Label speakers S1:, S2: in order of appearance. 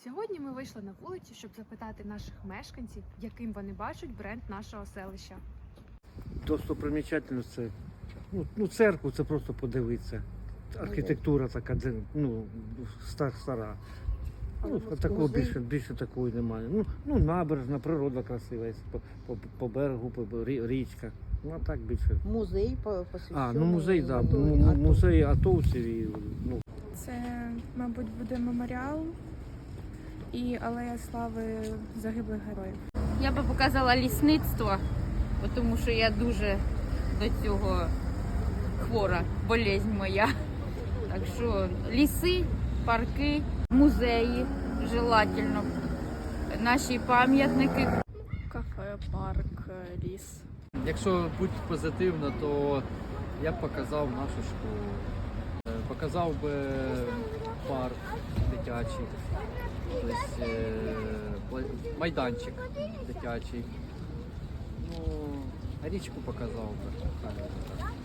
S1: Сьогодні ми вийшли на вулицю, щоб запитати наших мешканців, яким вони бачать бренд нашого селища.
S2: Достопримічательність це церкву, це просто подивитися. Архітектура така, стара. Такого більше такої немає. Набережна, природа красива, по берегу, по річка. А так більше.
S3: Музей посвящений.
S2: Музей, так. Музей атовців.
S4: Це, мабуть, буде меморіал і алея слави загиблих героїв.
S5: Я би показала лісництво, тому що я дуже до цього хвора, болезнь моя. Так що ліси, парки, музеї, желательно, наші пам'ятники.
S4: Кафе, парк, ліс.
S6: Якщо бути позитивно, то я б показав нашу школу. Показав би парк дитячий, тобто майданчик дитячий. Річку показав би.